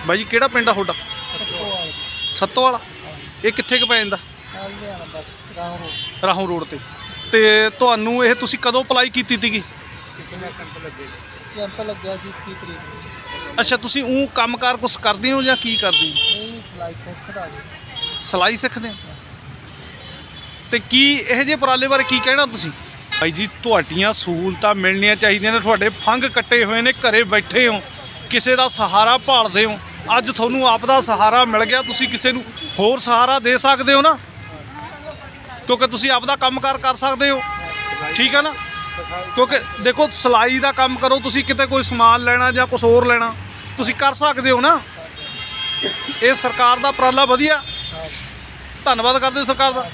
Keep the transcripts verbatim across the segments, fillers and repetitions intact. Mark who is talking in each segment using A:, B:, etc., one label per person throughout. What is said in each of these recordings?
A: ਬਾਈ ਜੀ ਕਿਹੜਾ ਪਿੰਡ ਆ ਤੁਹਾਡਾ? ਸੱਤੋ ਵਾਲਾ। ਇਹ ਕਿੱਥੇ ਕੁ ਪੈ ਜਾਂਦਾ? ਰਾਹੋਂ ਰੋਡ ਤੇ। ਤੇ ਤੁਹਾਨੂੰ ਇਹ ਤੁਸੀਂ ਕਦੋਂ ਅਪਲਾਈ ਕੀਤੀ ਸੀਗੀ?
B: ਕੈਂਪ ਲੱਗਿਆ ਸੀ ਇੱਕੀ ਤਰੀਕ ਨੂੰ।
A: ਅੱਛਾ, ਤੁਸੀਂ ਉਹ ਕੰਮਕਾਰ ਕੁਛ ਕਰਦੇ ਹੋ ਜਾਂ ਕੀ ਕਰਦੇ ਹੋ?
B: ਨਹੀਂ, ਸਿਲਾਈ ਸਿੱਖਦਾ ਜੀ।
A: ਸਿਲਾਈ ਸਿੱਖਦੇ ਹੋ? ਤੇ ਕੀ ਇਹੋ ਜਿਹੇ ਉਪਰਾਲੇ ਬਾਰੇ ਕੀ ਕਹਿਣਾ ਤੁਸੀਂ? ਭਾਈ ਜੀ ਤੁਹਾਡੀਆਂ ਸਹੂਲਤਾਂ ਮਿਲਣੀਆਂ ਚਾਹੀਦੀਆਂ ਨੇ। ਤੁਹਾਡੇ ਫੰਗ ਕੱਟੇ ਹੋਏ ਨੇ, ਘਰੇ ਬੈਠੇ ਹੋ, ਕਿਸੇ ਦਾ ਸਹਾਰਾ ਭਾਲਦੇ ਹੋ। ਅੱਜ ਤੁਹਾਨੂੰ ਆਪ ਦਾ ਸਹਾਰਾ ਮਿਲ ਗਿਆ, ਤੁਸੀਂ ਕਿਸੇ ਨੂੰ ਹੋਰ ਸਹਾਰਾ ਦੇ ਸਕਦੇ ਹੋ ਨਾ, ਕਿਉਂਕਿ ਤੁਸੀਂ ਆਪ ਦਾ ਕੰਮਕਾਰ ਕਰ ਸਕਦੇ ਹੋ। ਠੀਕ ਹੈ ਨਾ? ਕਿਉਂਕਿ ਦੇਖੋ ਸਿਲਾਈ ਦਾ ਕੰਮ ਕਰੋ ਤੁਸੀਂ, ਕਿਤੇ ਕੋਈ ਸਮਾਨ ਲੈਣਾ ਜਾਂ ਕੁਛ ਹੋਰ ਲੈਣਾ ਤੁਸੀਂ ਕਰ ਸਕਦੇ ਹੋ ਨਾ। ਇਹ ਸਰਕਾਰ ਦਾ ਉਪਰਾਲਾ ਵਧੀਆ, ਧੰਨਵਾਦ ਕਰਦੇ ਸਰਕਾਰ ਦਾ।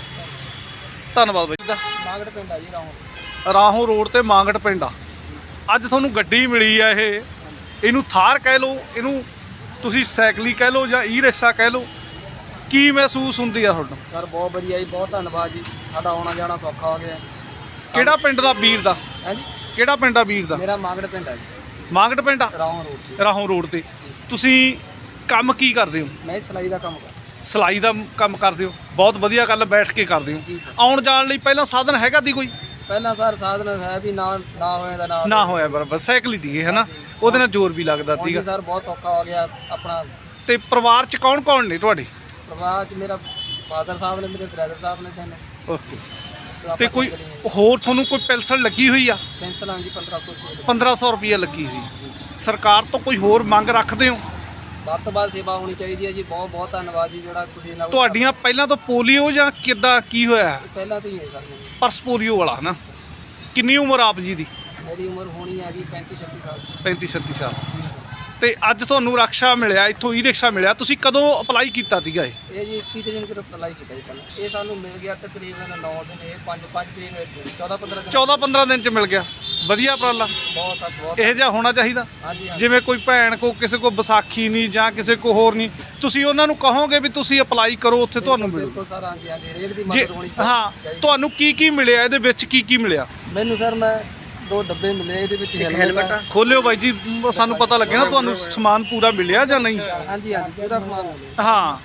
A: ਧੰਨਵਾਦ ਬਾਈ ਦਾ।
B: ਮਾਗੜ ਪਿੰਡ ਆ ਜੀ, ਰਾਹੋਂ
A: ਰਾਹੋਂ ਰੋਡ ਤੇ ਮਾਂਗੜ ਪਿੰਡ ਆ। ਅੱਜ ਤੁਹਾਨੂੰ ਗੱਡੀ ਮਿਲੀ ਆ, ਇਹ ਇਹਨੂੰ ਥਾਰ ਕਹਿ ਲਓ, ਇਹਨੂੰ ਤੁਸੀਂ ਸਾਈਕਲੀ ਕਹਿ ਲਓ ਜਾਂ ਈ ਰਿਕਸ਼ਾ ਕਹਿ ਲਓ। ਕੀ ਮਹਿਸੂਸ ਹੁੰਦੀ ਆ ਤੁਹਾਨੂੰ?
B: ਸਰ ਬਹੁਤ ਵਧੀਆ ਜੀ, ਬਹੁਤ ਧੰਨਵਾਦ ਜੀ। ਸਾਡਾ ਆਉਣਾ ਜਾਣਾ ਸੌਖਾ ਹੋ ਗਿਆ।
A: ਕਿਹੜਾ ਪਿੰਡ ਦਾ ਵੀਰ ਦਾ?
B: ਹੈ ਜੀ,
A: ਕਿਹੜਾ ਪਿੰਡ ਆ ਵੀਰ ਦਾ?
B: ਮੇਰਾ ਮਾਗੜ ਪਿੰਡ ਆ ਜੀ,
A: ਮਾਂਗੜ ਪਿੰਡ ਆ,
B: ਰਾਹੋਂ ਰੋਡ ਤੇ।
A: ਰਾਹੋਂ ਰੋਡ ਤੇ। ਤੁਸੀਂ ਕੰਮ ਕੀ ਕਰਦੇ ਹੋ?
B: ਮੈਂ ਸਿਲਾਈ ਦਾ ਕੰਮ ਕਰਦਾ
A: ਸਿਲਾਈ ਦਾ ਕੰਮ ਕਰਦੇ ਹੋ? ਬਹੁਤ ਵਧੀਆ ਗੱਲ, ਬੈਠ ਕੇ ਕਰਦੇ ਹੋ।
B: ਜੀ ਸਰ।
A: ਆਉਣ ਜਾਣ ਲਈ ਪਹਿਲਾਂ ਸਾਧਨ ਹੈਗਾ ਦੀ ਕੋਈ?
B: ਪਹਿਲਾਂ ਸਰ ਸਾਧਨ ਹੈ ਵੀ ਨਾ ਨਾ ਹੋਇਆ ਦਾ ਨਾ
A: ਨਾ ਹੋਇਆ ਬਰਾਬਰ, ਸਾਈਕਲ ਹੀ ਦੀਏ ਹੈ ਨਾ, ਉਹਦੇ ਨਾਲ ਜ਼ੋਰ ਵੀ ਲੱਗਦਾ
B: ਹੁਣ
A: ਸੀਗਾ।
B: ਜੀ ਸਰ ਬਹੁਤ ਸੌਖਾ ਹੋ ਗਿਆ ਆਪਣਾ।
A: ਤੇ ਪਰਿਵਾਰ 'ਚ ਕੌਣ ਕੌਣ ਨੇ ਤੁਹਾਡੇ?
B: ਪਰਿਵਾਰ 'ਚ ਮੇਰਾ ਫਾਦਰ ਸਾਹਿਬ ਨੇ, ਮੇਰੇ ਬ੍ਰਦਰ ਸਾਹਿਬ ਨੇ ਤਿੰਨ।
A: ਓਕੇ। ਤੇ ਕੋਈ ਹੋਰ ਤੁਹਾਨੂੰ ਕੋਈ ਪੈਨਸ਼ਨ ਲੱਗੀ ਹੋਈ ਆ?
B: ਪੈਨਸ਼ਨ ਆ ਜੀ ਪੰਦਰਾਂ ਸੌ ਰੁਪਏ।
A: ਪੰਦਰਾਂ ਸੌ ਰੁਪਈਆ ਲੱਗੀ ਹੋਈ। ਸਰਕਾਰ ਤੋਂ ਕੋਈ ਹੋਰ ਮੰਗ ਰੱਖਦੇ ਹੋ?
B: ਵੱਧ ਤੋਂ ਵੱਧ ਸੇਵਾ ਹੋਣੀ ਚਾਹੀਦੀ ਹੈ ਜੀ। ਬਹੁਤ ਬਹੁਤ ਧੰਨਵਾਦ ਜੀ ਜਿਹੜਾ ਤੁਸੀਂ ਇਹਨਾਂ ਕੋਲ-
A: ਤੁਹਾਡੀਆਂ ਪਹਿਲਾਂ ਤੋਂ ਪੋਲੀਓ ਜਾਂ ਕਿੱਦਾਂ ਕੀ ਹੋਇਆ?
B: ਪਹਿਲਾਂ ਤੋਂ ਹੀ ਹੈ ਸਰ ਜੀ।
A: ਪਰਸ ਪੋਲੀਓ ਵਾਲਾ ਨਾ। ਕਿੰਨੀ ਉਮਰ ਆਪ ਜੀ ਦੀ?
B: ਮੇਰੀ ਉਮਰ ਹੋਣੀ ਹੈ ਜੀ ਪੈਂਤੀ ਛੱਤੀ ਸਾਲ।
A: ਪੈਂਤੀ ਛੱਤੀ ਸਾਲ। ਤੇ ਅੱਜ ਤੁਹਾਨੂੰ ਰਕਸ਼ਾ ਮਿਲਿਆ, ਇੱਥੋਂ ਈ ਰਿਕਸ਼ਾ ਮਿਲਿਆ, ਤੁਸੀਂ ਕਦੋਂ ਅਪਲਾਈ ਕੀਤਾ ਸੀਗਾ ਇਹ?
B: ਇਹ ਜੀ ਇੱਕੀ ਤਰੀਕ ਨੂੰ ਅਪਲਾਈ ਕੀਤਾ ਜੀ ਪਹਿਲਾਂ। ਇਹ ਸਾਨੂੰ ਮਿਲ ਗਿਆ ਤਕਰੀਬਨ ਨੌ ਦਿਨ, ਇਹ ਪੰਜ ਪੰਜ ਤਰੀਕ ਨੂੰ ਚੌਦਾਂ ਪੰਦਰਾਂ ਦਿਨ।
A: ਚੌਦਾਂ ਪੰਦਰਾਂ ਦਿਨ 'ਚ ਮਿਲ ਗਿਆ। ਵਧੀਆ ਉਪਰਾਲਾ,
B: ਬਹੁਤ ਸਰ ਬਹੁਤ।
A: ਇਹੋ ਜਿਹਾ ਹੋਣਾ ਚਾਹੀਦਾ।
B: ਹਾਂਜੀ ਹਾਂਜੀ।
A: ਜਿਵੇਂ ਕੋਈ ਭੈਣ ਕੋ ਕਿਸੇ ਕੋ ਵਿਸਾਖੀ ਨਹੀਂ ਜਾਂ ਕਿਸੇ ਕੋ ਹੋਰ ਨਹੀਂ, ਤੁਸੀਂ ਉਹਨਾਂ ਨੂੰ ਕਹੋਗੇ ਵੀ ਤੁਸੀਂ ਅਪਲਾਈ ਕਰੋ, ਉੱਥੇ ਤੁਹਾਨੂੰ ਮਿਲੂ।
B: ਬਿਲਕੁਲ ਸਰ, ਹਾਂਜੀ ਹਾਂਜੀ। ਹਰੇਕ ਦੀ
A: ਜੇ
B: ਮਦਦ ਹੋਣੀ
A: ਹਾਂ,
B: ਚਾਹੀਦੀ।
A: ਤੁਹਾਨੂੰ ਕੀ ਕੀ ਮਿਲਿਆ ਇਹਦੇ ਵਿੱਚ? ਕੀ ਕੀ ਮਿਲਿਆ
B: ਮੈਨੂੰ ਸਰ ਮੈਂ ਦੋ ਡੱਬੇ ਮਿਲੇ, ਇਹਦੇ ਵਿੱਚ ਹੈਲਮਟ ਆ।
A: ਖੋਲਿਓ ਬਾਈ ਜੀ, ਸਾਨੂੰ ਪਤਾ ਲੱਗੇ ਨਾ ਤੁਹਾਨੂੰ ਸਮਾਨ ਪੂਰਾ ਮਿਲਿਆ ਜਾਂ ਨਹੀਂ।
B: ਹਾਂਜੀ ਹਾਂਜੀ, ਪੂਰਾ ਸਮਾਨ ਮਿਲਿਆ।
A: ਹਾਂ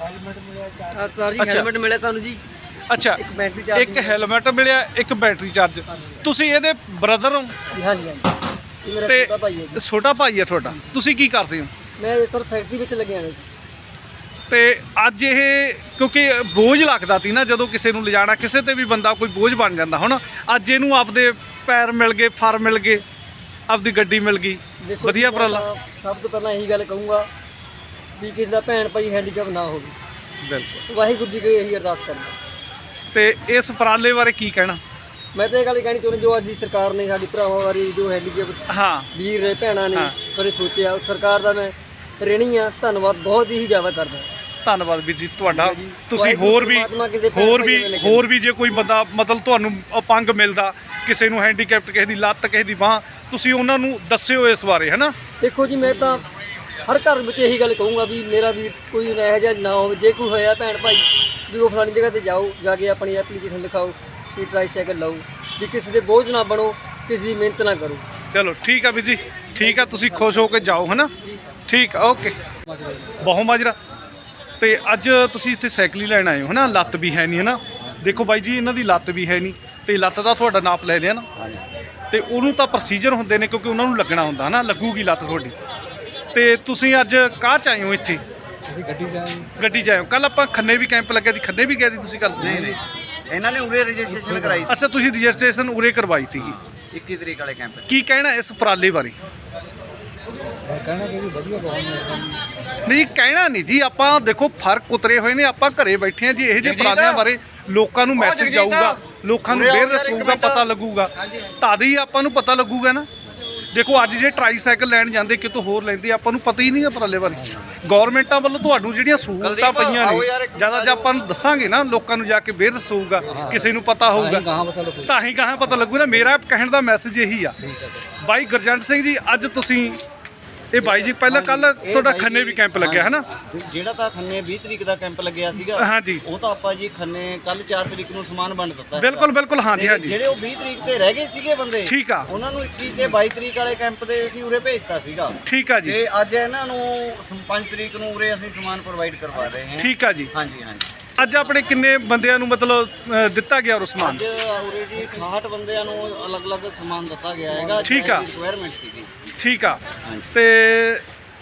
B: ਆ ਸਰ ਜੀ,
A: ਅੱਛਾ।
B: ਹੈਲਮਟ ਮਿਲਿਆ ਸਾਨੂੰ ਜੀ,
A: ਅੱਛਾ,
B: ਇੱਕ ਬੈਟਰੀ ਚਾਰਜ
A: ਇੱਕ ਹੈਲਮਟ ਮਿਲਿਆ, ਇੱਕ ਬੈਟਰੀ ਚਾਰਜ। ਤੁਸੀਂ ਇਹਦੇ ਬ੍ਰਦਰ ਹੋ?
B: ਜੀ। ਹਾਂਜੀ ਹਾਂਜੀ, ਇਹ ਮੇਰਾ
A: ਤੇ
B: ਛੋਟਾ ਭਾਈ ਹੈ ਜੀ।
A: ਛੋਟਾ ਭਾਈ ਹੈ ਤੁਹਾਡਾ। ਤੁਸੀਂ ਕੀ ਕਰਦੇ ਹੋ?
B: ਮੈਂ ਸਰ ਫੈਕਟਰੀ ਵਿੱਚ ਲੱਗਿਆ ਹਾਂ ਜੀ।
A: ਤੇ ਅੱਜ ਇਹ ਕਿਉਂਕਿ ਬੋਝ ਲੱਗਦਾ ਸੀ ਨਾ, ਜਦੋਂ ਕਿਸੇ ਨੂੰ ਲਿਜਾਣਾ, ਕਿਸੇ ਤੇ ਵੀ ਬੰਦਾ ਕੋਈ ਬੋਝ ਬਣ ਜਾਂਦਾ ਹੁਣ। ਅੱਜ ਇਹਨੂੰ ਆਪਦੇ ਪੈਰ ਮਿਲ ਗਏ, ਫਰ ਮਿਲ ਗਏ, ਆਪਦੀ ਗੱਡੀ ਮਿਲ ਗਈ।
B: ਦੇਖੋ
A: ਵਧੀਆ
B: ਜੀ, ਮੈਂ
A: ਉਪਰਾਲਾ।
B: ਤਾਂ ਸਭ ਤੋਂ ਪਹਿਲਾਂ ਇਹੀ ਗੱਲ ਕਹੂੰਗਾ ਵੀ ਕਿਸੇ ਦਾ ਭੈਣ ਭਾਈ ਹੈਂਡੀਕੈਪ ਨਾ ਹੋਵੇ।
A: ਬਿਲਕੁਲ।
B: ਵਾਹਿਗੁਰੂ ਜੀ ਕੋਲ ਇਹੀ ਅਰਦਾਸ ਕਰਦਾ।
A: ਤੇ ਇਸ ਉਪਰਾਲੇ ਬਾਰੇ ਕੀ ਕਹਿਣਾ?
B: ਮੈਂ ਤਾਂ ਇਹ ਗੱਲ ਕਹਿਣੀ ਚਾਹੁੰਦਾ, ਜੋ ਅੱਜ ਦੀ ਸਰਕਾਰ ਨੇ ਸਾਡੀ ਭਰਾਵਾਂ ਬਾਰੇ, ਜੋ ਹੈਂਡੀਕੈਪ
A: ਹਾਂ,
B: ਵੀਰ ਨੇ ਭੈਣਾਂ ਨੇ
A: ਹਾਂ।
B: ਬਾਰੇ ਸੋਚਿਆ, ਸਰਕਾਰ ਦਾ ਮੈਂ ਰਿਣੀ ਆ, ਧੰਨਵਾਦ ਬਹੁਤ ਹੀ ਜ਼ਿਆਦਾ ਕਰਦਾ।
A: ਧੰਨਵਾਦ ਵੀਰ ਜੀ ਤੁਹਾਡਾ।
B: ਜੀ।
A: ਤੁਸੀਂ ਹੋਰ ਵੀ
B: ਪਰਮਾਤਮਾ ਕਿਸੇ ਭੈਣ
A: ਹੋਰ
B: ਭਾਈ
A: ਵੀ
B: ਦੇ ਨਾਲ
A: ਹੋਰ ਵੀ ਜੇ ਕੋਈ ਬੰਦਾ ਮਤਲਬ ਤੁਹਾਨੂੰ ਅਪੰਗ ਮਿਲਦਾ, ਕਿਸੇ ਨੂੰ ਹੈਂਡੀਕੈਪਟ, ਕਿਸੇ ਦੀ ਲੱਤ, ਕਿਸੇ ਦੀ ਬਾਂਹ, ਤੁਸੀਂ ਉਹਨਾਂ ਨੂੰ ਦੱਸਿਓ ਇਸ ਬਾਰੇ, ਹੈ ਨਾ।
B: ਦੇਖੋ ਜੀ, ਮੈਂ ਤਾਂ ਹਰ ਘਰ ਵਿੱਚ ਇਹੀ ਗੱਲ ਕਹੂੰਗਾ ਵੀ ਮੇਰਾ ਵੀ ਕੋਈ ਇਹੋ ਜਿਹਾ ਨਾ ਹੋਵੇ। ਜੇ ਕੋਈ ਹੋਇਆ ਭੈਣ ਭਾਈ ਵੀ ਉਹ ਫਲਾਣੀ ਜਗ੍ਹਾ ਤੇ ਜਾਓ, ਜਾ ਕੇ ਆਪਣੀ ਐਪਲੀਕੇਸ਼ਨ ਲਿਖਾਓ ਕਿ ਟਰਾਈਸਾਈਕਲ ਲਓ, ਵੀ ਕਿਸੇ ਦੇ ਬੋਝ ਨਾ ਬਣੋ, ਕਿਸੇ ਦੀ ਮਿਹਨਤ ਨਾ ਕਰੋ।
A: ਚਲੋ ਠੀਕ ਆ ਵੀਰ ਜੀ, ਠੀਕ ਆ। ਤੁਸੀਂ ਖੁਸ਼ ਹੋ ਕੇ ਜਾਓ, ਹੈ ਨਾ।
B: ਜੀ ਸਰ।
A: ਠੀਕ ਆ, ਓਕੇ। ਬਹੁ ਮਾਜਰਾ। ਤੇ ਅੱਜ ਤੁਸੀਂ ਇੱਥੇ ਸਾਈਕਲ ਹੀ ਲੈਣ ਆਏ ਹੋ, ਹੈ ਨਾ। ਲੱਤ ਵੀ ਹੈ ਨਹੀਂ, ਹੈ ਨਾ। ਦੇਖੋ ਬਾਈ ਜੀ, ਇਹਨਾਂ ਦੀ ਲੱਤ ਵੀ ਹੈ ਨਹੀਂ, ਤੇ ਲੱਤ ਦਾ ਤੁਹਾਡਾ ਨਾਪ ਲੈ ਲਿਆ ਨਾ। ਤੇ ਉਹਨੂੰ ਤਾਂ ਪ੍ਰੋਸੀਜਰ ਹੁੰਦੇ ਨੇ, ਕਿਉਂਕਿ ਉਹਨਾਂ ਨੂੰ ਲੱਗਣਾ ਹੁੰਦਾ, ਹੈ ਨਾ। ਲੱਗੂਗੀ ਲੱਤ ਤੁਹਾਡੀ। ਤੇ ਤੁਸੀਂ ਅੱਜ ਕਾਹ 'ਚ ਆਏ ਹੋ ਇੱਥੇ?
B: ਅਸੀਂ ਗੱਡੀ 'ਚ ਆਏ।
A: ਗੱਡੀ 'ਚ ਆਏ ਹੋ। ਕੱਲ ਆਪਾਂ ਖੰਨੇ ਵੀ ਕੈਂਪ ਲੱਗਿਆ ਸੀ, ਖੰਨੇ ਵੀ ਗਏ ਸੀ ਤੁਸੀਂ ਕੱਲ?
C: ਨਹੀਂ ਨਹੀਂ, ਇਹਨਾਂ ਨੇ ਉਰੇ ਰਜਿਸਟ੍ਰੇਸ਼ਨ ਕਰਾਈ
A: ਅੱਛਾ, ਤੁਸੀਂ ਰਜਿਸਟ੍ਰੇਸ਼ਨ ਉਰੇ ਕਰਵਾਈ ਸੀਗੀ।
C: ਇੱਕੀ ਤਰੀਕ ਵਾਲੇ ਕੈਂਪ।
A: ਕੀ ਕਹਿਣਾ ਇਸ ਉਪਰਾਲੇ ਬਾਰੇ?
B: ਕਹਿਣਾ ਕਿ ਵਧੀਆ ਬਹੁਤ
A: ਨਹੀਂ, ਕਹਿਣਾ ਨਹੀਂ ਜੀ। ਆਪਾਂ ਦੇਖੋ ਫਰਕ ਉਤਰੇ ਹੋਏ ਨੇ, ਆਪਾਂ ਘਰੇ ਬੈਠੇ ਹਾਂ ਜੀ। ਇਹੋ ਜਿਹੇ ਉਪਰਾਲਿਆਂ ਬਾਰੇ ਲੋਕਾਂ ਨੂੰ ਮੈਸੇਜ ਜਾਊਗਾ, ਲੋਕਾਂ ਨੂੰ ਅਵੇਅਰਨੈਸ ਹੋਊਗਾ, ਪਤਾ ਲੱਗੂਗਾ, ਤਦ ਹੀ ਆਪਾਂ ਨੂੰ ਪਤਾ ਲੱਗੂਗਾ ਨਾ। ਦੇਖੋ ਅੱਜ ਜੇ ਟਰਾਈਸਾਈਕਲ ਲੈਣ ਜਾਂਦੇ, ਕਿਤੋਂ ਹੋਰ ਲੈਂਦੇ, ਆਪਾਂ ਨੂੰ ਪਤਾ ਹੀ ਨਹੀਂ ਉਪਰਾਲੇ ਬਾਰੇ। ਗੌਰਮੈਂਟਾਂ ਵੱਲੋਂ ਤੁਹਾਨੂੰ ਜਿਹੜੀਆਂ ਸਹੂਲਤਾਂ ਪਈਆਂ ਨੇ, ਜ਼ਿਆਦਾ ਜੇ ਆਪਾਂ ਨੂੰ ਦੱਸਾਂਗੇ ਨਾ, ਲੋਕਾਂ ਨੂੰ ਜਾ ਕੇ ਅਵੇਅਰਨੈਸ ਹੋਊਗਾ, ਕਿਸੇ ਨੂੰ ਪਤਾ ਹੋਊਗਾ, ਤਾਂ ਹੀ ਗਾਹਾਂ ਪਤਾ ਲੱਗੂ ਨਾ। ਮੇਰਾ ਕਹਿਣ ਦਾ ਮੈਸੇਜ ਇਹੀ ਆ। ਬਾਈ ਗੁਰਜੰਟ ਸਿੰਘ ਜੀ, ਅੱਜ ਤੁਸੀਂ ਇਹ ਬਾਈ ਜੀ ਪਹਿਲਾਂ ਕੱਲ
C: ਇਹ
A: ਤੁਹਾਡਾ
C: ਬਾਈ
A: ਖੰਨੇ
C: ਜੀ,
A: ਵੀ ਕੈਂਪ ਲੱਗਿਆ ਹੈ ਨਾ?
C: ਜਿਹੜਾ ਤਾਂ ਖੰਨੇ ਵੀਹ ਤਰੀਕ ਦਾ ਕੈਂਪ ਲੱਗਿਆ ਸੀਗਾ,
A: ਹਾਂਜੀ।
C: ਉਹ ਤਾਂ ਆਪਾਂ ਜੀ ਖੰਨੇ ਕੱਲ ਚਾਰ ਤਰੀਕ ਨੂੰ ਸਮਾਨ ਵੰਡ ਦਿੱਤਾ।
A: ਬਿਲਕੁਲ ਬਿਲਕੁਲ, ਹਾਂਜੀ
C: ਤੇ
A: ਹਾਂਜੀ
C: ਜਿਹੜੇ ਉਹ ਵੀਹ ਤਰੀਕ ਤੇ ਰਹਿ ਗਏ ਸੀਗੇ ਬੰਦੇ,
A: ਠੀਕ ਆ।
C: ਉਹਨਾਂ ਨੂੰ ਇੱਕੀ ਤੇ ਬਾਈ ਤਰੀਕ ਵਾਲੇ ਕੈਂਪ ਤੇ ਅਸੀਂ ਉਰੇ ਭੇਜਤਾ ਸੀਗਾ।
A: ਠੀਕ ਆ ਜੀ,
C: ਤੇ ਅੱਜ ਇਹਨਾਂ ਨੂੰ ਪੰਜ ਤਰੀਕ ਨੂੰ ਉਰੇ ਅਸੀਂ ਸਮਾਨ ਪ੍ਰੋਵਾਈਡ ਕਰਵਾ ਰਹੇ ਹਾਂ।
A: ਠੀਕ ਆ ਜੀ।
C: ਹਾਂਜੀ ਹਾਂਜੀ।
A: ਅੱਜ ਆਪਣੇ ਕਿੰਨੇ ਬੰਦਿਆਂ ਨੂੰ ਮਤਲਬ ਅ, ਦਿੱਤਾ ਗਿਆ ਉਹ ਸਮਾਨ?
C: ਅੱਜ ਉਰੇ ਜੀ ਅਠਾਹਠ ਬੰਦਿਆਂ ਨੂੰ ਅਲੱਗ-ਅਲੱਗ ਸਮਾਨ ਦਿੱਤਾ ਗਿਆ ਹੈਗਾ।
A: ਠੀਕ ਆ।
C: ਰਿਕੁਆਇਰਮੈਂਟ ਸੀਗੀ।
A: ਠੀਕ ਆ।
C: ਹਾਂਜੀ।
A: ਤੇ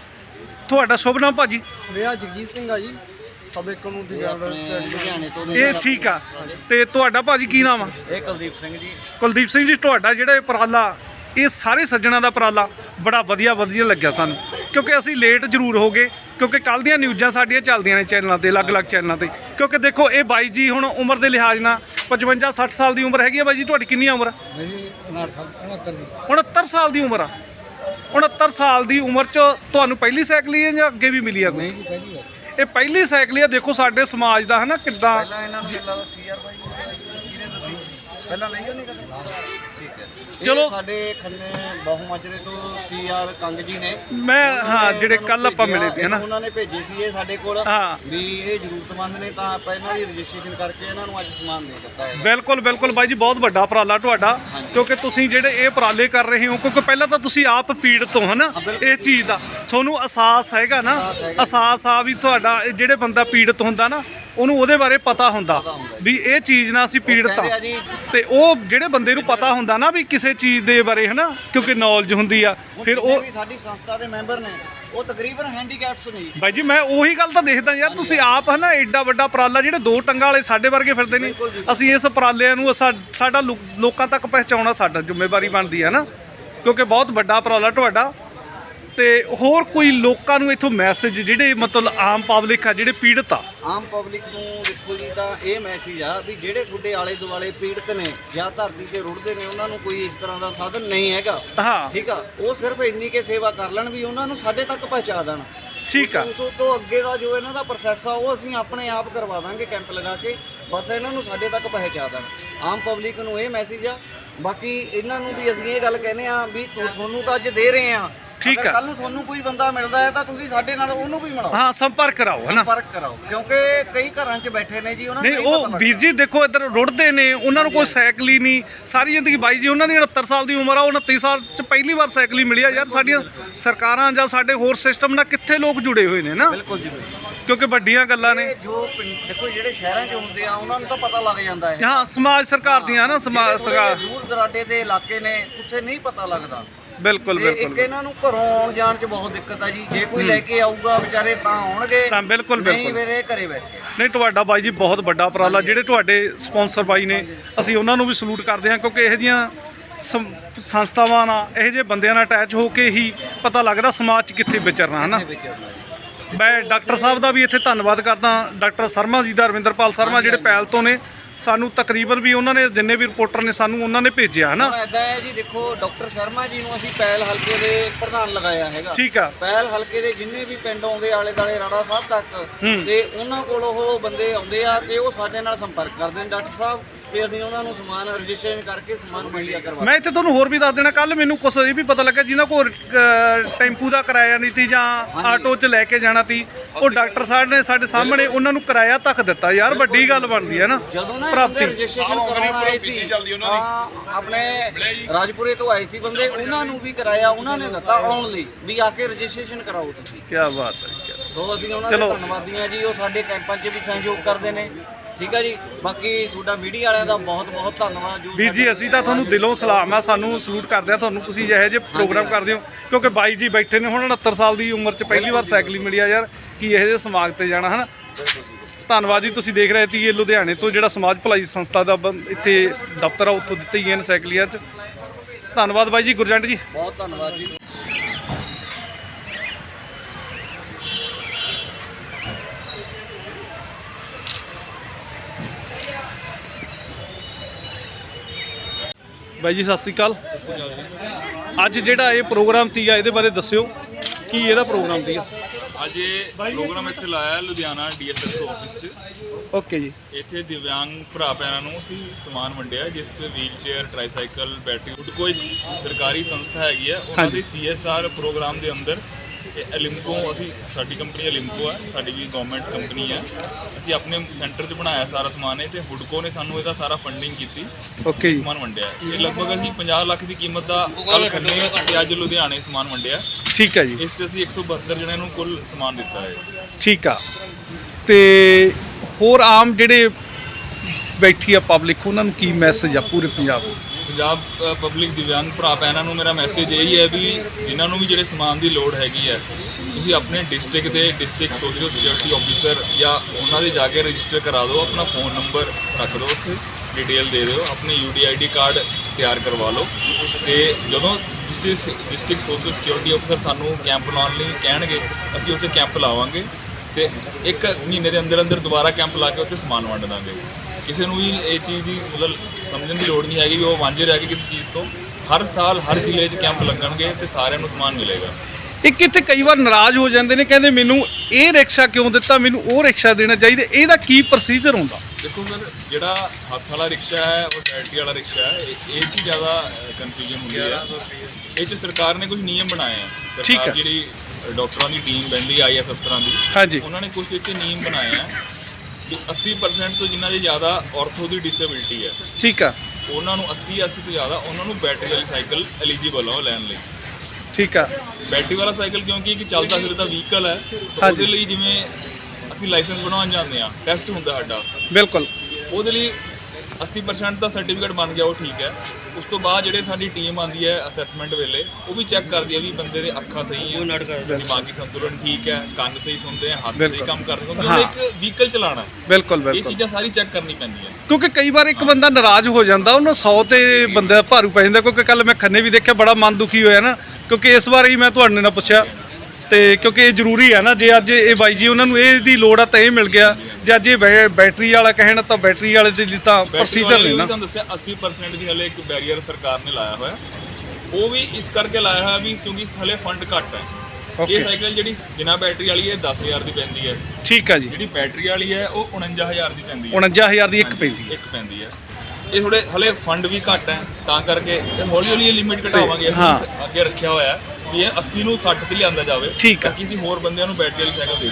A: ਤੁਹਾਡਾ ਸ਼ੁਭ ਨਾਮ ਭਾਜੀ?
D: ਮੇਰਾ ਜਗਜੀਤ ਸਿੰਘ ਆ ਜੀ, ਸਭ ਇੱਕ ਨੂੰ
C: ਇਹ ਆਪਣੇ ਲੁਧਿਆਣੇ ਤੋਂ ਨੇ।
A: ਇਹ ਠੀਕ ਆ। ਤੇ ਤੁਹਾਡਾ ਭਾਜੀ ਕੀ ਨਾਮ ਆ?
C: ਇਹ ਕੁਲਦੀਪ ਸਿੰਘ ਜੀ।
A: ਕੁਲਦੀਪ ਸਿੰਘ ਜੀ, ਤੁਹਾਡਾ ਜਿਹੜਾ ਇਹ ਉਪਰਾਲਾ, ਇਹ ਸਾਰੇ ਸੱਜਣਾ ਦਾ ਉਪਰਾਲਾ ਬੜਾ ਵਧੀਆ ਵਧੀਆ ਲੱਗਿਆ ਸਾਨੂੰ, ਕਿਉਂਕਿ ਅਸੀਂ ਲੇਟ ਜ਼ਰੂਰ ਹੋ ਗਏ, ਕਿਉਂਕਿ ਕੱਲ ਦੀਆਂ ਨਿਊਜ਼ਾਂ ਸਾਡੀਆਂ ਚੱਲਦੀਆਂ ਨੇ ਚੈਨਲਾਂ ਤੇ, ਅਲੱਗ-ਅਲੱਗ ਚੈਨਲਾਂ ਤੇ। ਕਿਉਂਕਿ ਦੇਖੋ ਇਹ ਬਾਈ ਜੀ ਹੁਣ ਉਮਰ ਦੇ ਲਿਹਾਜ਼ ਨਾਲ ਪਚਵੰਜਾ ਸੱਠ ਸਾਲ ਦੀ ਉਮਰ ਹੈਗੀ ਆ। ਬਾਈ ਜੀ ਤੁਹਾਡੀ ਕਿੰਨੀ ਉਮਰ ਆ?
B: ਮੇਰੀ ਉਣਹੱਤਰ ਦੀ।
A: ਉਣਹੱਤਰ ਸਾਲ ਦੀ ਉਮਰ ਆ। ਉਣਹੱਤਰ ਸਾਲ ਦੀ ਉਮਰ 'ਚ ਤੁਹਾਨੂੰ ਪਹਿਲੀ ਸਾਈਕਲ ਹੀ ਹੈ ਜਾਂ ਅੱਗੇ ਵੀ ਮਿਲੀ ਆ ਕੋਈ?
B: ਨਹੀਂ ਪਹਿਲੀ ਵਾਰ।
A: ਇਹ ਪਹਿਲੀ ਸਾਈਕਲ ਹੀ ਆ। ਦੇਖੋ ਸਾਡੇ ਸਮਾਜ ਦਾ ਹੈ ਨਾ ਕਿੱਦਾਂ।
C: ਪਹਿਲਾਂ ਇਹਨਾਂ ਨੂੰ ਮਿਲਦਾ ਸੀ ਯਾਰ ਬਾਈ ਕਿਹਨੇ ਦਿੱਤੀ? ਪਹਿਲਾਂ ਨਹੀਂ ਉਹਨੇ ਕਦੇ। ਠੀਕ ਹੈ।
A: ਚਲੋ।
C: ਚਲੋ ਸਾਡੇ ਖੰਨੇ ਬਹੁ ਮਾਜਰੇ ਤੋਂ ਸੀ ਆਰ ਕੰਗ ਜੀ ਨੇ।
A: ਮੈਂ ਹਾਂ
C: ਉਹਨਾਂ ਨੇ
A: ਜਿਹੜੇ
C: ਉਹਨਾਂ
A: ਕੱਲ
C: ਨੂੰ
A: ਆਪਾਂ ਮਿਲੇ
C: ਭੇਜਿਆ,
A: ਸੀ ਹੈ ਨਾ।
C: ਉਹਨਾਂ ਨੇ ਭੇਜੇ ਸੀ ਇਹ ਸਾਡੇ ਕੋਲ
A: ਹਾਂ।
C: ਵੀ ਇਹ ਜ਼ਰੂਰਤਮੰਦ ਨੇ, ਤਾਂ ਆਪਾਂ ਇਹਨਾਂ ਦੀ ਰਜਿਸਟ੍ਰੇਸ਼ਨ ਕਰਕੇ ਇਹਨਾਂ ਨੂੰ ਅੱਜ ਸਮਾਨ ਦੇ ਦਿੱਤਾ ਹੈ।
A: ਬਿਲਕੁਲ ਬਿਲਕੁਲ ਬਾਈ ਜੀ, ਬਹੁਤ ਵੱਡਾ ਉਪਰਾਲਾ ਤੁਹਾਡਾ, ਕਿਉਂਕਿ ਤੁਸੀਂ ਜਿਹੜੇ ਇਹ ਉਪਰਾਲੇ ਕਰ ਰਹੇ ਹੋ, ਕਿਉਂਕਿ ਪਹਿਲਾਂ ਤਾਂ ਤੁਸੀਂ ਆਪ ਪੀੜਤ ਹੋ ਹੈ ਨਾ ਇਸ ਚੀਜ਼ ਦਾ, ਤੁਹਾਨੂੰ ਅਹਿਸਾਸ ਹੈਗਾ ਨਾ, ਅਹਿਸਾਸ ਆ ਵੀ ਤੁਹਾਡਾ ਇਹ ਜਿਹੜੇ ਬੰਦਾ ਪੀੜਤ ਹੁੰਦਾ ਨਾ, ਉਹਨੂੰ ਉਹਦੇ ਬਾਰੇ ਪਤਾ ਹੁੰਦਾ ਵੀ ਇਹ ਚੀਜ਼ ਨਾਲ ਅਸੀਂ ਪੀੜਤ
C: ਕਹਿੰਦੇ ਆ
A: ਹਾਂ।
C: ਜੀ,
A: ਤੇ ਉਹ ਜਿਹੜੇ ਬੰਦੇ ਨੂੰ ਪਤਾ ਹੁੰਦਾ ਨਾ ਵੀ ਕਿਸੇ ਚੀਜ਼ ਦੇ ਬਾਰੇ ਹੈ ਨਾ, ਕਿਉਂਕਿ ਨੌਲੇਜ ਹੁੰਦੀ ਆ, ਫਿਰ
C: ਜਿੰਨੇ
A: ਉਹ
C: ਵੀ ਸਾਡੀ ਸੰਸਥਾ ਦੇ ਮੈਂਬਰ ਨੇ ਉਹ ਤਕਰੀਬਨ ਹੈਂਡੀਕੈਪਸ ਨਹੀਂ ਸੀ।
A: ਬਾਈ ਜੀ ਮੈਂ ਉਹੀ ਗੱਲ ਤਾਂ ਦੇਖਦਾ ਯਾਰ, ਤੁਸੀਂ ਆਪ ਹੈ ਨਾ ਐਡਾ ਵੱਡਾ ਉਪਰਾਲਾ, ਜਿਹੜੇ ਦੋ ਟੰਗਾਂ ਵਾਲੇ ਸਾਡੇ ਵਰਗੇ ਫਿਰਦੇ ਨੇ, ਅਸੀਂ ਇਸ ਉਪਰਾਲਿਆਂ ਨੂੰ ਸਾ- ਸਾਡਾ ਲੋ- ਲੋਕਾਂ ਤੱਕ ਪਹੁੰਚਾਉਣਾ ਸਾਡਾ ਜ਼ਿੰਮੇਵਾਰੀ ਬਣਦੀ ਹੈ ਨਾ, ਕਿਉਂਕਿ ਬਹੁਤ ਵੱਡਾ ਉਪਰਾਲਾ ਤੁਹਾਡਾ। ਤੇ ਹੋਰ ਕੋਈ ਲੋਕਾਂ ਨੂੰ ਇਥੋਂ ਮੈਸੇਜ, ਜਿਹੜੇ ਮਤਲਬ ਆਮ ਪਬਲਿਕ ਆ ਜਿਹੜੇ ਪੀੜਤ ਆ?
C: ਆਮ ਪਬਲਿਕ ਨੂੰ ਦੇਖੋ ਜੀ, ਤਾਂ ਇਹ ਮੈਸੇਜ ਆ ਵੀ ਜਿਹੜੇ ਤੁਹਾਡੇ ਆਲੇ ਦੁਆਲੇ ਪੀੜਤ ਨੇ ਜਾਂ ਧਰਤੀ ਤੇ ਰੁੜਦੇ ਨੇ, ਉਹਨਾਂ ਨੂੰ ਕੋਈ ਇਸ ਤਰ੍ਹਾਂ ਦਾ ਸਾਧਨ ਨਹੀਂ ਹੈਗਾ।
A: ਹਾਂ
C: ਠੀਕ ਆ। ਉਹ ਸਿਰਫ ਇੰਨੀ ਕੇ ਸੇਵਾ ਕਰ ਲੈਣ ਵੀ ਉਹਨਾਂ ਨੂੰ ਸਾਡੇ ਤੱਕ ਪਹੁੰਚਾ ਦੇਣ।
A: ਠੀਕ ਆ।
C: ਉਸ ਉਸ ਤੋਂ ਅੱਗੇ ਦਾ ਜੋ ਇਹਨਾਂ ਦਾ ਪ੍ਰੋਸੈਸ ਆ ਉਹ ਅਸੀਂ ਆਪਣੇ ਆਪ ਕਰਵਾ ਦਾਂਗੇ ਕੈਂਪ ਲਗਾ ਕੇ, ਬਸ ਇਹਨਾਂ ਨੂੰ ਸਾਡੇ ਤੱਕ ਪਹੁੰਚਾ ਦੇਣ। ਆਮ ਪਬਲਿਕ ਨੂੰ ਇਹ ਮੈਸੇਜ ਆ। ਬਾਕੀ ਇਹਨਾਂ ਨੂੰ ਵੀ ਅਸੀਂ ਇਹ ਗੱਲ ਕਹਿੰਦੇ ਆ ਵੀ ਤੁ- ਤੁਹਾਨੂੰ ਤਾਂ ਅੱਜ ਦੇ ਰਹੇ ਆ,
A: ਠੀਕ ਆ।
C: ਕੱਲ ਨੂੰ ਤੁਹਾਨੂੰ ਕੋਈ ਬੰਦਾ ਮਿਲਦਾ ਹੈ ਤਾਂ ਤੁਸੀਂ ਸਾਡੇ ਨਾਲ ਉਹਨੂੰ ਵੀ ਮਿਲਾਓ,
A: ਹਾਂ ਸੰਪਰਕ ਕਰਾਓ ਹੈ ਨਾ।
C: ਸੰਪਰਕ ਕਰਾਓ, ਕਿਉਂਕਿ ਕਈ ਘਰਾਂ 'ਚ ਬੈਠੇ ਨੇ ਜੀ, ਉਹਨਾਂ ਨੂੰ
A: ਨਹੀਂ
C: ਨਹੀਂ
A: ਉਹ
C: ਪਤਾ
A: ਵੀਰ ਜੀ ਦੇਖੋ ਇੱਧਰ ਰੁੜਦੇ ਨੇ, ਉਹਨਾਂ ਨੂੰ ਕੋਈ ਸਾਈਕਲ ਹੀ ਨਹੀਂ ਸਾਰੀ ਜ਼ਿੰਦਗੀ। ਬਾਈ ਜੀ ਉਹਨਾਂ ਦੀ ਉਣਹੱਤਰ ਸਾਲ ਦੀ ਉਮਰ ਆ, ਉਹ ਉਨੱਤੀ ਸਾਲ 'ਚ ਪਹਿਲੀ ਵਾਰ ਸਾਈਕਲ ਹੀ ਮਿਲੀ ਆ। ਯਾਰ ਸਾਡੀਆਂ ਸਰਕਾਰਾਂ ਜਾਂ ਸਾਡੇ ਹੋਰ ਸਿਸਟਮ ਨਾਲ ਕਿੱਥੇ ਲੋਕ ਜੁੜੇ ਹੋਏ ਨੇ ਨਾ,
C: ਬਿਲਕੁਲ ਜੀ ਬਿਲਕੁਲ।
A: ਕਿਉਂਕਿ ਵੱਡੀਆਂ ਗੱਲਾਂ ਨੇ।
C: ਇਹ ਜੋ ਪਿੰਡ- ਦੇਖੋ ਜਿਹੜੇ ਸ਼ਹਿਰਾਂ 'ਚ ਹੁੰਦੇ ਆ ਉਹਨਾਂ ਨੂੰ ਤਾਂ ਪਤਾ ਲੱਗ ਜਾਂਦਾ ਹੈ।
A: ਹਾਂ ਸਮਾਜ ਸਰਕਾਰ ਦੀਆਂ ਨਾ, ਸਮਾਜ ਸਰਕਾਰ।
C: ਦੂਰ ਦਰਾਡੇ ਦੇ ਇਲਾਕੇ ਨੇ, ਉੱਥੇ ਨਹੀਂ ਪਤਾ ਲੱਗਦਾ।
A: ਬਿਲਕੁਲ
C: ਤੇ ਇੱਕ
A: ਬਿਲਕੁਲ
C: ਇਹਨਾਂ ਨੂੰ ਘਰੋਂ ਆਉਣ ਜਾਣ 'ਚ ਬਹੁਤ ਦਿੱਕਤ ਆ ਜੀ। ਜੇ ਕੋਈ ਲੈ ਕੇ ਆਊਗਾ ਵਿਚਾਰੇ ਤਾਂ ਆਉਣਗੇ,
A: ਤਾਂ ਬਿਲਕੁਲ-
C: ਨਹੀਂ
A: ਬਿਲਕੁਲ।
C: ਮੇਰੇ ਘਰੇ ਬੈਠੇ।
A: ਨਹੀਂ ਤੁਹਾਡਾ ਬਾਈ ਜੀ ਬਹੁਤ ਵੱਡਾ ਉਪਰਾਲਾ, ਜਿਹੜੇ ਤੁਹਾਡੇ ਸਪਾਂਸਰ ਬਾਈ ਨੇ, ਅਸੀਂ ਉਹਨਾਂ ਨੂੰ ਵੀ ਸਲੂਟ ਕਰਦੇ ਹਾਂ, ਕਿਉਂਕਿ ਇਹੋ ਜਿਹੀਆਂ ਸੰ- ਸੰਸਥਾਵਾਂ ਨਾਲ, ਇਹੋ ਜਿਹੇ ਬੰਦਿਆਂ ਨਾਲ ਅਟੈਚ ਹੋ ਕੇ ਹੀ ਪਤਾ ਲੱਗਦਾ ਸਮਾਜ 'ਚ ਕਿੱਥੇ ਵਿਚਰਨਾ ਹੈ ਨਾ। ਮੈਂ ਡਾਕਟਰ ਸਾਹਿਬ ਦਾ ਵੀ ਇੱਥੇ ਧੰਨਵਾਦ ਕਰਦਾ, ਡਾਕਟਰ ਸ਼ਰਮਾ ਜੀ ਦਾ, ਰਵਿੰਦਰਪਾਲ ਸ਼ਰਮਾ, ਜਿਹੜੇ ਪਹਿਲ ਤੋਂ ਨੇ ਸਾਨੂੰ ਤਕਰੀਬਨ ਵੀ ਉਹਨਾਂ ਨੇ ਜਿੰਨੇ ਵੀ ਰਿਪੋਰਟਰ ਨੇ ਸਾਨੂੰ ਉਹਨਾਂ ਨੇ ਭੇਜਿਆ ਹੈ ਨਾ।
C: ਹੁਣ ਇਦਾਂ ਹੈ ਜੀ, ਦੇਖੋ ਡਾਕਟਰ ਸ਼ਰਮਾ ਜੀ ਨੂੰ ਅਸੀਂ ਪੈਲ ਹਲਕੇ ਦੇ ਪ੍ਰਧਾਨ ਲਗਾਇਆ ਹੈਗਾ।
A: ਠੀਕ ਆ।
C: ਪੈਲ ਹਲਕੇ ਦੇ ਜਿੰਨੇ ਵੀ ਪਿੰਡ ਆਉਂਦੇ ਆਲੇ ਦਾਲੇ ਰਾੜਾ ਸਾਹਿਬ ਤੱਕ,
A: ਹੂੰ।
C: ਤੇ ਉਹਨਾਂ ਕੋਲ ਉਹ ਬੰਦੇ ਆਉਂਦੇ ਆ ਤੇ ਉਹ ਸਾਡੇ ਨਾਲ ਸੰਪਰਕ ਕਰਦੇ ਨੇ ਡਾਕਟਰ ਸਾਹਿਬ, ਤੇ ਅਸੀਂ ਉਹਨਾਂ ਨੂੰ ਸਮਾਨ ਰਜਿਸਟ੍ਰੇਸ਼ਨ ਕਰਕੇ ਸਮਾਨ ਮੁਹੱਈਆ ਕਰਵਾ।
A: ਮੈਂ ਇੱਥੇ ਤੁਹਾਨੂੰ ਹੋਰ ਵੀ ਦੱਸ ਦੇਣਾ, ਕੱਲ ਮੈਨੂੰ ਕੁਛ ਇਹ ਵੀ ਪਤਾ ਲੱਗਾ ਜਿਨ੍ਹਾਂ ਕੋਲ ਅ, ਟੈਂਪੂ ਦਾ ਕਿਰਾਇਆ ਨਹੀਂ ਸੀ ਜਾਂ ਆਟੋ 'ਚ ਲੈ ਕੇ ਜਾਣਾ ਸੀ, ਉਹ ਡਾਕਟਰ ਸਾਹਿਬ ਨੇ ਸਾਡੇ ਸਾਹਮਣੇ ਉਹਨਾਂ ਨੂੰ ਕਿਰਾਇਆ ਤੱਕ ਦਿੱਤਾ। ਯਾਰ ਵੱਡੀ ਗੱਲ ਬਣਦੀ ਹੈ ਨਾ
C: ਜਦੋਂ ਨਾ
A: ਪ੍ਰਾਪਤੀ।
C: ਰਜਿਸਟ੍ਰੇਸ਼ਨ ਕਰਾਉਣ ਆਏ ਸੀ ਤਾਂ ਆਪਣੇ ਰਾਜਪੁਰੇ ਤੋਂ ਆਏ ਸੀ ਬੰਦੇ, ਉਹਨਾਂ ਨੂੰ ਵੀ ਕਿਰਾਇਆ ਉਹਨਾਂ ਨੇ ਦਿੱਤਾ ਆਉਣ ਲਈ, ਵੀ ਆ ਕੇ ਰਜਿਸਟ੍ਰੇਸ਼ਨ ਕਰਾਓ ਤੁਸੀਂ।
A: ਕੀ ਬਾਤ ਹੈ ਜੀ, ਕਿਆ-
C: ਸੋ ਅਸੀਂ ਉਹਨਾਂ ਦੇ
A: ਚਲੋ।
C: ਧੰਨਵਾਦੀ ਹਾਂ ਜੀ, ਉਹ ਸਾਡੇ ਕੈਂਪਾਂ 'ਚ ਵੀ ਸਹਿਯੋਗ ਕਰਦੇ ਨੇ। ਠੀਕ ਆ ਜੀ। ਬਾਕੀ ਤੁਹਾਡਾ ਮੀਡੀਆ ਵਾਲਿਆਂ ਦਾ ਬਹੁਤ ਬਹੁਤ ਧੰਨਵਾਦ ਜੋ
A: ਵੀਰ ਜੀ ਅਸੀਂ ਤਾਂ ਤੁਹਾਨੂੰ ਦਿਲੋਂ ਸਲਾਮ ਆ, ਸਾਨੂੰ ਸਲੂਟ ਕਰਦੇ ਆ ਤੁਹਾਨੂੰ, ਤੁਸੀਂ ਜਿਹੋ ਜਿਹੇ ਪ੍ਰੋਗਰਾਮ ਕਰਦੇ ਹੋ, ਕਿਉਂਕਿ ਬਾਈ ਜੀ ਬੈਠੇ ਨੇ ਹੁਣ ਉਣਹੱਤਰ ਸਾਲ ਦੀ ਉਮਰ 'ਚ ਪਹਿਲੀ ਵਾਰ ਸਾਈਕਲ ਹੀ ਮਿਲੀ ਆ। ਯਾਰ ਕੀ ਇਹੋ ਜਿਹੇ ਸਮਾਗਮ ਤੇ ਜਾਣਾ ਹੈ ਨਾ। ਧੰਨਵਾਦ ਜੀ। ਤੁਸੀਂ ਦੇਖ ਰਹੇ ਸੀ ਇਹ ਲੁਧਿਆਣੇ ਤੋਂ ਜਿਹੜਾ ਸਮਾਜ ਭਲਾਈ ਸੰਸਥਾ ਦਾ ਬ- ਇੱਥੇ ਦਫ਼ਤਰ ਆ, ਉੱਥੋਂ ਦਿੱਤੇ ਗਏ ਨੇ ਸਾਈਕਲੀਆਂ 'ਚ। ਧੰਨਵਾਦ ਬਾਈ ਜੀ, ਗੁਰਜੰਟ ਜੀ।
C: ਬਹੁਤ ਧੰਨਵਾਦ ਜੀ।
A: ਬਾਈ ਜੀ ਸਤਿ ਸ਼੍ਰੀ ਅਕਾਲ। ਅੱਜ ਜਿਹੜਾ ਇਹ ਪ੍ਰੋਗਰਾਮ ਤੀਆ, ਇਹਦੇ ਬਾਰੇ ਦੱਸਿਓ ਕੀ ਇਹਦਾ ਪ੍ਰੋਗਰਾਮ ਤੀਆ?
E: ਅੱਜ ਇਹ ਪ੍ਰੋਗਰਾਮ ਇੱਥੇ ਲਾਇਆ ਲੁਧਿਆਣਾ ਡੀਐਸਐਸ ਆਫਿਸ 'ਚ।
A: ਓਕੇ ਜੀ।
E: ਇੱਥੇ ਦਿਵਿਆਂਗ ਭਰਾ ਭੈਣਾਂ ਨੂੰ ਅਸੀਂ ਸਮਾਨ ਵੰਡਿਆ, ਜਿਸ 'ਚ ਵੀਲ ਚੇਅਰ, ਟ੍ਰਾਈਸਾਈਕਲ, ਬੈਟਰੀ। ਕੋਈ ਸਰਕਾਰੀ ਸੰਸਥਾ ਹੈਗੀ ਆ, ਉਹਨਾਂ ਦੇ ਸੀਐਸਆਰ ਪ੍ਰੋਗਰਾਮ ਦੇ ਅੰਦਰ ਇਹ ਅਲਿਮਕੋ, ਅਸੀਂ ਸਾਡੀ ਕੰਪਨੀ ਅਲਿਮਕੋ ਹੈ, ਸਾਡੀ ਵੀ ਗਵਰਨਮੈਂਟ ਕੰਪਨੀ ਹੈ। ਅਸੀਂ ਆਪਣੇ ਸੈਂਟਰ 'ਚ ਬਣਾਇਆ ਸਾਰਾ ਸਮਾਨ ਇਹ, ਤੇ ਹੁਡਕੋ ਨੇ ਸਾਨੂੰ ਇਹਦਾ ਸਾਰਾ ਫੰਡਿੰਗ ਕੀਤੀ,
A: ਓਕੇ ਜੀ,
E: ਸਮਾਨ ਵੰਡਿਆ। ਇਹ ਲਗਭਗ ਅਸੀਂ ਪੰਜਾਹ ਲੱਖ ਦੀ ਕੀਮਤ ਦਾ ਕੱਲ੍ਹ ਖੰਨੇ ਤੇ ਅੱਜ ਲੁਧਿਆਣੇ ਸਮਾਨ ਵੰਡਿਆ।
A: ਠੀਕ ਹੈ ਜੀ,
E: ਇਸ 'ਚ ਅਸੀਂ ਇੱਕ ਸੌ ਬਹੱਤਰ ਜਣਿਆਂ ਨੂੰ ਕੁੱਲ ਸਮਾਨ ਦਿੱਤਾ ਹੈ।
A: ਠੀਕ ਆ। ਤੇ ਹੋਰ ਆਮ ਜਿਹੜੇ ਬੈਠੀ ਆ ਪਬਲਿਕ, ਉਹਨਾਂ ਨੂੰ ਕੀ ਮੈਸੇਜ ਆ ਪੂਰੇ ਪੰਜਾਬ ਨੂੰ?
E: ਪੰਜਾਬ ਪਬਲਿਕ ਦਿਵਿਆਂਗ ਭਰਾ ਭੈਣਾਂ ਨੂੰ ਮੇਰਾ ਮੈਸੇਜ ਇਹੀ ਹੈ ਵੀ ਜਿਨ੍ਹਾਂ ਨੂੰ ਵੀ ਜਿਹੜੇ ਸਮਾਨ ਦੀ ਲੋੜ ਹੈਗੀ ਹੈ, ਤੁਸੀਂ ਆਪਣੇ ਡਿਸਟ੍ਰਿਕਟ ਦੇ ਡਿਸਟ੍ਰਿਕਟ ਸੋਸ਼ਲ ਸਿਕਿਉਰਿਟੀ ਆਫਿਸਰ ਜਾਂ ਉਹਨਾਂ ਦੇ ਜਾ ਕੇ ਰਜਿਸਟਰ ਕਰਾ ਦਿਓ, ਆਪਣਾ ਫੋਨ ਨੰਬਰ ਰੱਖ ਦਿਓ, ਉੱਥੇ ਡਿਟੇਲ ਦੇ ਦਿਓ, ਆਪਣੀ U D I D card ਤਿਆਰ ਕਰਵਾ ਲਓ। ਤੇ ਜਦੋਂ ਡਿਸਟ੍ਰਿਕਟ ਸੋਸ਼ਲ ਸਿਕਿਉਰਿਟੀ ਆਫਿਸਰ ਸਾਨੂੰ ਕੈਂਪ ਲਾਉਣ ਲਈ ਕਹਿਣਗੇ, ਅਸੀਂ ਉੱਥੇ ਕੈਂਪ ਲਾਵਾਂਗੇ ਤੇ ਇੱਕ ਮਹੀਨੇ ਦੇ ਅੰਦਰ ਅੰਦਰ ਦੁਬਾਰਾ ਕੈਂਪ ਲਾ ਕੇ ਉੱਥੇ ਸਮਾਨ ਵੰਡ ਦਾਂਗੇ। ਕਿਸੇ ਨੂੰ ਵੀ ਇਹ ਚੀਜ਼ ਦੀ ਮਤਲਬ ਸਮਝਣ ਦੀ ਲੋੜ ਨਹੀਂ ਹੈਗੀ ਵੀ ਉਹ ਵਾਂਝੇ ਰਹਿ ਕੇ ਕਿਸੇ ਚੀਜ਼ ਤੋਂ। ਹਰ ਸਾਲ ਹਰ ਜ਼ਿਲ੍ਹੇ 'ਚ ਕੈਂਪ ਲੱਗਣਗੇ ਤੇ ਸਾਰਿਆਂ ਨੂੰ ਸਮਾਨ ਮਿਲੇਗਾ।
A: ਇੱਕ ਇੱਥੇ ਕਈ ਵਾਰ ਨਾਰਾਜ਼ ਹੋ ਜਾਂਦੇ ਨੇ, ਕਹਿੰਦੇ ਮੈਨੂੰ ਇਹ ਰਿਕਸ਼ਾ ਕਿਉਂ ਦਿੱਤਾ, ਮੈਨੂੰ ਉਹ ਰਿਕਸ਼ਾ ਦੇਣਾ ਚਾਹੀਦਾ। ਇਹਦਾ ਕੀ ਪ੍ਰੋਸੀਜਰ ਹੁੰਦਾ?
E: ਦੇਖੋ ਸਰ, ਜਿਹੜਾ ਹੱਥ ਵਾਲਾ ਰਿਕਸ਼ਾ ਹੈ ਉਹ ਬੈਟਰੀ ਵਾਲਾ ਰਿਕਸ਼ਾ ਹੈ, ਇਹ 'ਚ ਜ਼ਿਆਦਾ ਕਨਫਿਊਜ਼ਨ ਹੁੰਦੀ ਹੈ। ਇਹ 'ਚ ਸਰਕਾਰ ਨੇ ਕੁਝ ਨਿਯਮ ਬਣਾਏ ਹੈ।
A: ਠੀਕ ਹੈ।
E: ਸਰਕਾਰ ਜਿਹੜੀ ਡਾਕਟਰਾਂ ਦੀ ਟੀਮ ਬਹਿੰਦੀ ਆਈ ਐਸ ਅਫਸਰਾਂ ਦੀ,
A: ਹਾਂਜੀ,
E: ਉਹਨਾਂ ਨੇ ਕੁਝ ਇੱਥੇ ਨਿਯਮ ਬਣਾਏ ਹੈ ਕਿ ਅੱਸੀ ਪਰਸੈਂਟ ਤੋਂ ਜਿਨ੍ਹਾਂ ਦੀ ਜ਼ਿਆਦਾ ਔਰਥੋ ਦੀ ਡਿਸੇਬਿਲਿਟੀ ਹੈ,
A: ਠੀਕ ਆ,
E: ਉਹਨਾਂ ਨੂੰ ਅੱਸੀ ਅੱਸੀ ਤੋਂ ਜ਼ਿਆਦਾ ਉਹਨਾਂ ਨੂੰ ਬੈਟਰੀ ਵਾਲੀ ਸਾਈਕਲ ਐਲੀਜੀਬਲ ਆ ਉਹ ਲੈਣ ਲਈ।
A: ਠੀਕ ਆ,
E: ਬੈਟਰੀ ਵਾਲਾ ਸਾਈਕਲ ਕਿਉਂਕਿ ਇੱਕ ਚੱਲਦਾ ਫਿਰਦਾ ਵਹੀਕਲ ਹੈ, ਤਾਂ
A: ਹਾਂਜੀ।
E: ਉਹਦੇ ਲਈ ਜਿਵੇਂ ਅਸੀਂ ਲਾਇਸੈਂਸ ਬਣਾਉਣ ਜਾਂਦੇ ਹਾਂ, ਟੈਸਟ ਹੁੰਦਾ ਸਾਡਾ,
A: ਬਿਲਕੁਲ,
E: ਉਹਦੇ ਲਈ ਅੱਸੀ ਪਰਸੈਂਟ ਦਾ ਸਰਟੀਫਿਕੇਟ ਬਣ ਗਿਆ, ਉਹ ਠੀਕ ਹੈ। ਉਸ ਤੋਂ ਬਾਅਦ ਜਿਹੜੇ ਸਾਡੀ ਟੀਮ ਆਉਂਦੀ ਹੈ ਅਸੈਸਮੈਂਟ ਵੇਲੇ, ਉਹ ਵੀ ਚੈੱਕ ਕਰਦੀ ਹੈ ਵੀ ਬੰਦੇ ਦੇ ਅੱਖਾਂ ਸਹੀ ਹੈ, ਦਿਮਾਗੀ ਸੰਤੁਲਨ ਠੀਕ ਹੈ, ਕੰਨ ਸਹੀ ਸੁਣਦੇ ਆ, ਹੱਥ ਸਹੀ ਕੰਮ ਕਰਦੇ, ਕਿਉਂਕਿ ਉਹਨੇ ਇੱਕ ਵਹੀਕਲ ਚਲਾਉਣਾ,
A: ਬਿਲਕੁਲ
E: ਇਹ
A: ਬਿਲਕੁਲ।
E: ਚੀਜ਼ਾਂ ਸਾਰੀ ਚੈੱਕ ਕਰਨੀ ਪੈਂਦੀਆਂ।
A: ਕਿਉਂਕਿ ਕਈ ਵਾਰ ਇੱਕ ਬੰਦਾ ਨਾਰਾਜ਼ ਹੋ ਜਾਂਦਾ, ਉਹਨੂੰ ਸੌ ਤੇ ਬੰਦਾ ਭਾਰੂ ਪੈ ਜਾਂਦਾ। ਕਿਉਂਕਿ ਕੱਲ ਮੈਂ ਖੰਨੇ ਵੀ ਦੇਖਿਆ, ਬੜਾ ਮਨ ਦੁਖੀ ਹੋਇਆ ਨਾ, ਕਿਉਂਕਿ ਇਸ ਵਾਰ ਹੀ ਮੈਂ ਤੁਹਾਡੇ ਨਾਲ ਪੁੱਛਿਆ, ਤੇ ਕਿਉਂਕਿ ਇਹ ਜ਼ਰੂਰੀ ਹੈ ਨਾ, ਜੇ ਅੱਜ ਇਹ ਬਾਈ ਜੀ ਉਹਨਾਂ ਨੂੰ ਇਹਦੀ ਲੋੜ ਆ ਤਾਂ ਇਹ ਮਿਲ ਗਿਆ, ਜੇ ਅੱਜ ਇਹ ਬੈ- ਬੈਟਰੀ ਵਾਲਾ ਕਹਿਣ ਤਾਂ ਬੈਟਰੀ ਵਾਲੇ ਦੇ ਲਈ ਤਾਂ ਪ੍ਰੋਸੀਜਰ ਨਹੀਂ ਨਾ।
E: ਤੁਹਾਨੂੰ ਦੱਸਿਆ ਅੱਸੀ ਪਰਸੈਂਟ ਦੀ ਹਲੇ ਇੱਕ ਬੈਰੀਅਰ ਸਰਕਾਰ ਨੇ ਲਾਇਆ ਹੋਇਆ, ਉਹ ਵੀ ਇਸ ਕਰਕੇ ਲਾਇਆ ਹੋਇਆ ਵੀ ਕਿਉਂਕਿ ਹਲੇ ਫੰਡ ਘੱਟ ਹੈ। ਇਹ ਸਾਈਕਲ ਜਿਹੜੀ ਬਿਨਾਂ ਬੈਟਰੀ ਵਾਲੀ ਹੈ ਦਸ ਹਜ਼ਾਰ ਦੀ ਪੈਂਦੀ ਹੈ,
A: ਠੀਕ ਆ ਜੀ,
E: ਜਿਹੜੀ ਬੈਟਰੀ ਵਾਲੀ ਹੈ ਉਹ ਉਣੰਜਾ ਹਜ਼ਾਰ ਦੀ ਪੈਂਦੀ ਹੈ,
A: ਉਣੰਜਾ ਹਜ਼ਾਰ ਦੀ ਇੱਕ ਪੈਂਦੀ ਹੈ।
E: ਇੱਕ ਪੈਂਦੀ ਹੈ। ਇਹ ਥੋੜੇ ਹਲੇ ਫੰਡ ਵੀ ਘੱਟ ਹੈ, ਤਾਂ ਕਰਕੇ ਹੌਲੀ ਹੌਲੀ ਇਹ ਲਿਮਿਟ ਘਟਾਵਾਂਗੇ।
A: ਹਾਂ।
E: ਅਸੀਂ ਅੱਗੇ ਰੱਖਿਆ ਹੋਇਆ ਹੈ ਵੀ ਇਹ ਅੱਸੀ ਨੂੰ ਸੱਠ ਤੇ ਲਿਆਂਦਾ ਜਾਵੇ,
A: ਠੀਕ ਆ।
E: ਤਾਂ ਕਿਸੇ ਹੋਰ ਬੰਦਿਆਂ ਨੂੰ ਬੈਟਰੀ ਵਾਲੀ ਸਾਈਕਲ ਦੇ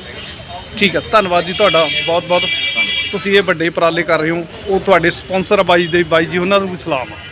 E: ਦਈਏ।
A: ਠੀਕ ਆ, ਧੰਨਵਾਦ ਜੀ ਤੁਹਾਡਾ ਬਹੁਤ ਬਹੁਤ। ਤੁਸੀਂ ਇਹ ਵੱਡੇ ਉਪਰਾਲੇ ਕਰ ਰਹੇ ਹੋ, ਉਹ ਤੁਹਾਡੇ ਸਪਾਂਸਰ ਆ ਬਾਈ ਦੇ, ਬਾਈ ਜੀ ਉਹਨਾਂ ਨੂੰ ਵੀ ਸਲਾਮ ਆ।